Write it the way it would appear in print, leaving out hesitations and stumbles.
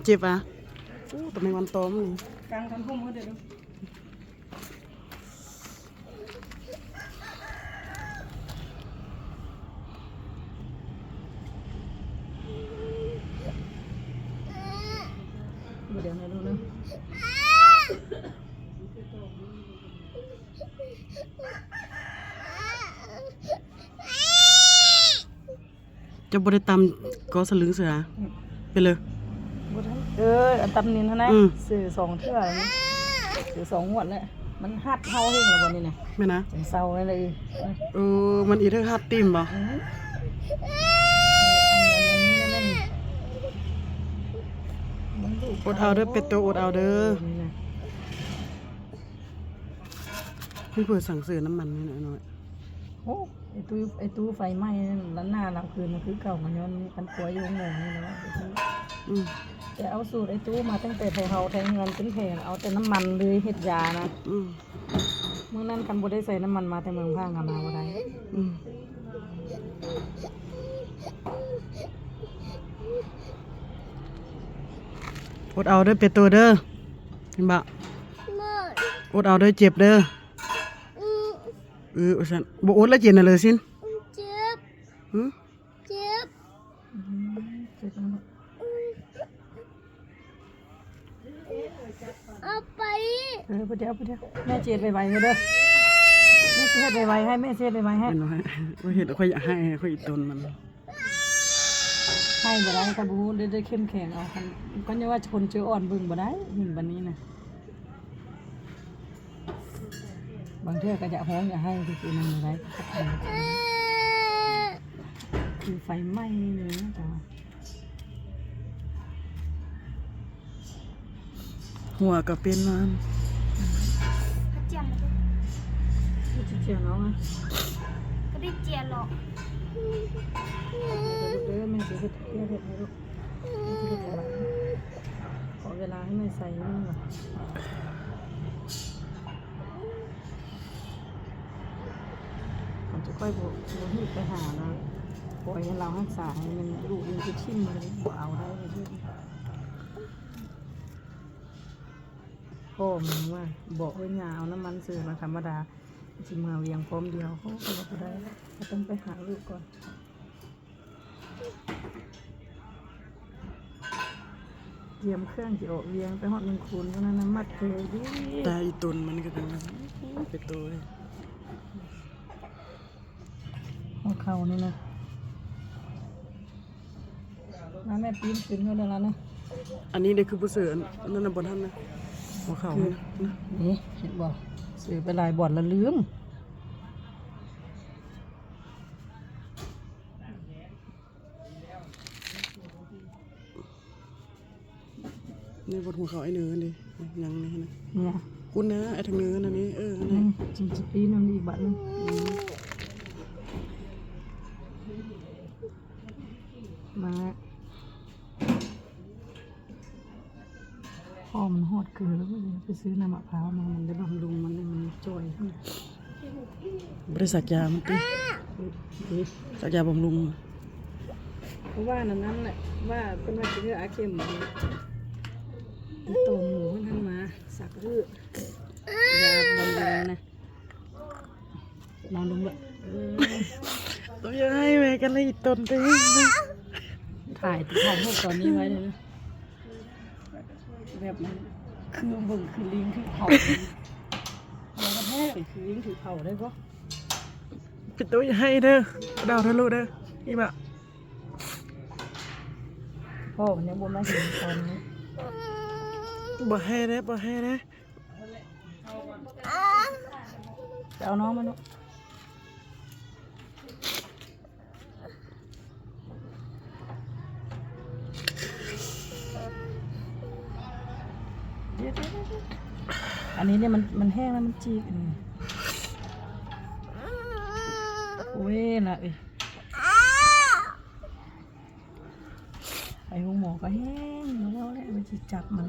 เจ็บอ่ะแต่ไม่วันโตมั้งกลางคันพุ่มเขาเดี๋ยวเดี๋ยวนะดูนะจะบริตามก็สลึงเสือไปเลยอันตำนินเท่านั้นสื่อ2 เทื่อสื่อ2 งวดแล้วมันหัดเฮาเองแล้ววันนี้นะไม่นะเศร้าเลยมันอีเท่าฮัดติมบ่อดเอาเด้อเป็ดตัวอดเอาเด้อพี่เปิดสั่งซื้อน้ำมันนี่หน่อยโอ้ไอตู้ไฟไหม้แล้วหน้าเราคืนมันคือเก่ามันย้อนมันป่วยอยู่งงนี่นะแต่เอาสูตรไอตู้มาตั้งแต่ไทยเฮาไทยเงินเป็นแพงเอาแต่น้ำมันเลยเห็ดยานะเมื่อนั้นกันบ่ได้ใส่น้ำมันมาแต่เมืองพังกันมาบ่ได้อดเอาเด้อเป็ดตัวเด้อเห็นบ่อดเอาเด้อเจ็บเด้อฉันบ่อดแล้วเจ็บน่ะเลยสินเจ็บเจ็บเอาไปเดี๋ยวแม่เจ็ดไวๆเด้อแม่เจ็ดไวๆให้แม่เจ็ดไวๆให้เห็นค่อยอยากให้ค่อยอีตนมันให้บ่ได้กระบูได้เข้มแข็งเอากันก็ยังว่าคนเจออ่อนบึ้งบ่ได้หนึ่งบันนี้นะบางเทื่อก็จะห้องอยากให้คือมันอะไรคือไฟไหม้นี่นะจ๊ะหัวก็เป็นมันเจียนน้องอ่ะก็ได้เจียนหรอกเด้อแม่จะเห็ดให้ลูกขอเวลาให้แม่ใส่นี่หน่อยผมจะค่อยบอกให้ไปหานะปล่อยให้เรารักษาให้มันลูกยังจะชิมเลยบ่เอาได้เลยพ่อมึงว่าบอกไว้ยาเอาน้ำมันซื้อมาธรรมดาจิมาเวียงพร้อมเดียวเขาก็บอกได้ก็ต้องไปหาลูกก่อนเตรียมเครื่องจะออกเวียงไปหอด1 คูณเพราะนั้นมัดเลยดิตาอีตนมันก็เป็นตัวหัวเข่านี่นะน้าแม่ปีนขึ้นเขาเดี๋ยวแล้วนะอันนี้เด็กคือผู้เสือนั่นน่ะบนท่านนะหัวเข่านี่เห็นบอกซื้อไปหลายบ่อนแล้วลืมนี่บนหัวเข่าไอ้เนื้อดิยังนี่นะเนี่ยคุณนะไอ้ทางเนื้อนั่นนี่นี่จริงๆปีนั่นอีกบัตรนึงมาพ่อมันหอดเกลือแล้วก็ไปซื้อน้ำมะพร้าวมามันได้บำรุงมันจ่อยขึ้นบริษัทยามันตีสักยาบำรุงเพราะว่านั้นแหละว่าเป็นว่าจะเลือกอาเข็มตัวหมูมันมาสักเลือยาบำรุงนะนอนลงเลยตัวยังไงแม่กันเลยตนตีถ่ายพวกตอนนี้ไว้เลยนะแบบมันคือบึ่งคือลิงคือเผาแล้วก็แท้คือลิงคือเผาได้ปะปิดตัวยังไงเด้อดาวทะลุเด้อนี่แบบพ่อมันยังบ่มาเห็นตอนนี้บ่ให้เด้จะเอาน้องมาลูกอันนี้เนี่ยมันแห้งแล้วมันจีกโอ้ยละไอ้หัวหมอก็แห้งแล้วแหละมันจะจับมัน